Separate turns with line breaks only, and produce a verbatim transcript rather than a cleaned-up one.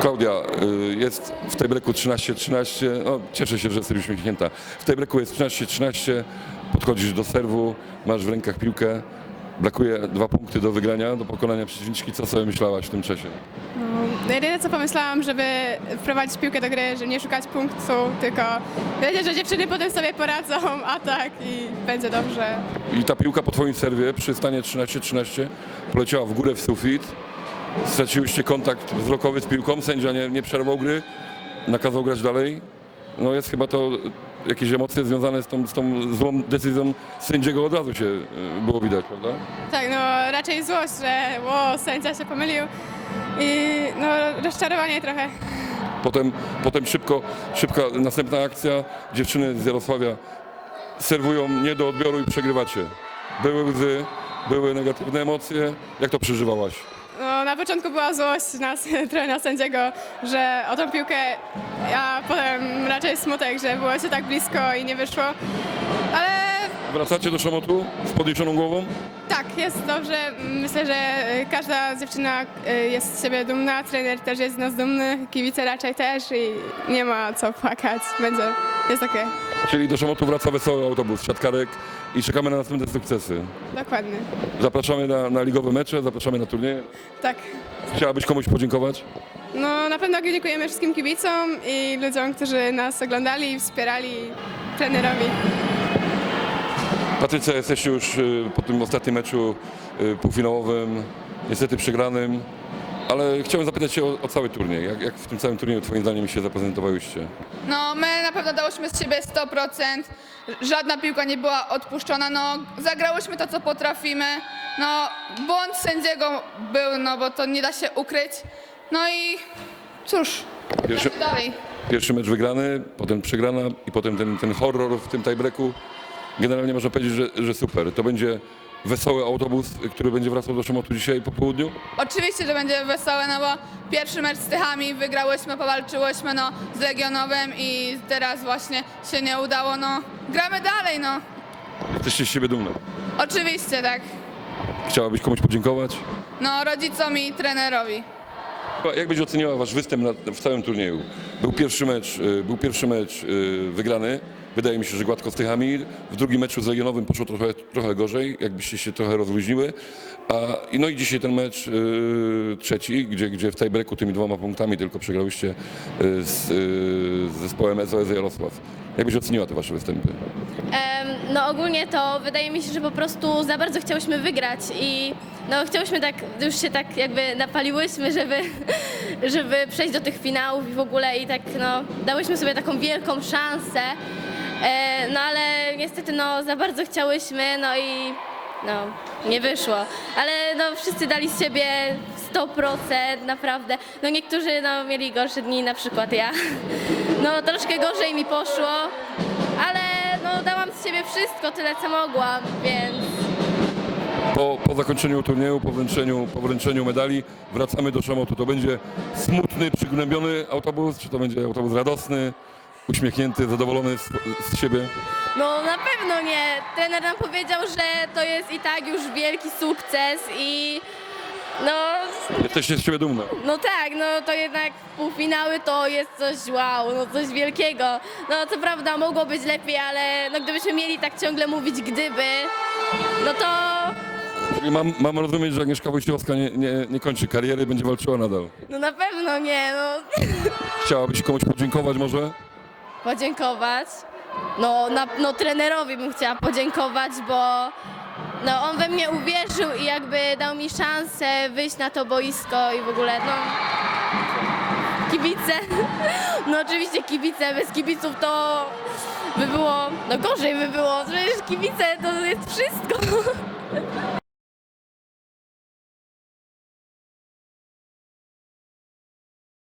Klaudia, y, jest w tej breku trzynaście trzynaście, no cieszę się, że jesteś uśmiechnięta. W tej breku jest trzynaście trzynaście, podchodzisz do serwu, masz w rękach piłkę, brakuje dwa punkty do wygrania, do pokonania przeciwniczki. Co sobie myślałaś w tym czasie?
No, jedyne co pomyślałam, żeby wprowadzić piłkę do gry, że nie szukać punktu, tylko wiedzieć, że dziewczyny potem sobie poradzą, a tak i będzie dobrze.
I ta piłka po twoim serwie przy stanie trzynaście trzynaście poleciała w górę w sufit. Straciłyście kontakt wzrokowy z piłką, sędzia nie, nie przerwał gry, nakazał grać dalej. No jest chyba to jakieś emocje związane z tą, z tą złą decyzją sędziego, od razu się y, było widać, prawda?
Tak, no raczej złość, że o, sędzia się pomylił i no rozczarowanie trochę.
Potem, potem szybko, szybka następna akcja, dziewczyny z Jarosławia serwują nie do odbioru i przegrywacie. Były łzy, były negatywne emocje. Jak to przeżywałaś?
No, na początku była złość nas, trochę na sędziego, że o tą piłkę, a potem raczej smutek, że było się tak blisko i nie wyszło. Ale
Wracacie do szamotu z podniesioną głową?
tak, jest dobrze. Myślę, że każda dziewczyna jest z siebie dumna, trener też jest z nas dumny, kibice raczej też i nie ma co płakać. Będzie, jest okej.
Czyli do szamotu wraca wesoły autobus, siatkarek i czekamy na następne sukcesy.
Dokładnie.
Zapraszamy na, na ligowe mecze, zapraszamy na turnieje.
Tak.
Chciałabyś komuś podziękować?
No na pewno dziękujemy wszystkim kibicom i ludziom, którzy nas oglądali i wspierali, trenerowi.
Patrycja, jesteście już y, po tym ostatnim meczu y, półfinałowym, niestety przegranym, ale chciałem zapytać się o, o cały turniej. Jak, jak w tym całym turnieju twoim zdaniem się zaprezentowałyście?
No, my na pewno dałyśmy z siebie sto procent, żadna piłka nie była odpuszczona, no, zagrałyśmy to, co potrafimy, no, błąd sędziego był, no, bo to nie da się ukryć, no i cóż,
Pierwszy,
gramy dalej.
pierwszy mecz wygrany, potem przegrana i potem ten, ten horror w tym tiebreaku. Generalnie można powiedzieć, że, że super. To będzie wesoły autobus, który będzie wracał do Szamotu dzisiaj po południu?
Oczywiście, że będzie wesołe, no bo pierwszy mecz z Tychami wygrałyśmy, powalczyłyśmy, no, z Legionowem i teraz właśnie się nie udało, no, gramy dalej, no,
Jesteście z siebie dumne.
oczywiście, tak,
Chciałabyś komuś podziękować?
no, rodzicom i trenerowi.
Jak byś oceniała wasz występ na, w całym turnieju? Był pierwszy mecz, y, był pierwszy mecz y, wygrany. Wydaje mi się, że gładko z Tychami. W drugim meczu z Legionowym poszło trochę, trochę gorzej, jakbyście się trochę rozluźniły. A, i no i dzisiaj ten mecz y, trzeci, gdzie, gdzie w tiebreaku tymi dwoma punktami tylko przegrałyście y, z, y, z zespołem S O S Jarosław. Jak byś oceniła te wasze występy?
Em, No ogólnie to wydaje mi się, że po prostu za bardzo chciałyśmy wygrać i no chciałyśmy tak, już się tak jakby napaliłyśmy, żeby, żeby przejść do tych finałów i w ogóle i tak no dałyśmy sobie taką wielką szansę, e, no ale niestety no za bardzo chciałyśmy, no i no nie wyszło, ale no wszyscy dali z siebie sto procent naprawdę, no niektórzy no mieli gorsze dni, na przykład ja, no troszkę gorzej mi poszło, ale no dałam z siebie wszystko, tyle co mogłam, więc
Po, po zakończeniu turnieju, po wręczeniu, po wręczeniu medali wracamy do Szamotu. To będzie smutny, przygnębiony autobus, czy to będzie autobus radosny, uśmiechnięty, zadowolony z, z siebie?
no na pewno nie. Trener nam powiedział, że to jest i tak już wielki sukces i no,
Jesteście z siebie dumne.
no tak, no to jednak półfinały to jest coś wow, no coś wielkiego. No co prawda mogło być lepiej, ale no gdybyśmy mieli tak ciągle mówić gdyby, no to
Czyli mam, mam rozumieć, że Agnieszka Wojciechowska nie, nie, nie kończy kariery, będzie walczyła nadal.
no na pewno nie, no.
Chciałabyś komuś podziękować może?
Podziękować. No, na, no trenerowi bym chciała podziękować, bo no, on we mnie uwierzył i jakby dał mi szansę wyjść na to boisko i w ogóle no kibice. No oczywiście kibice, bez kibiców to by było, no gorzej by było, przecież kibice to jest wszystko.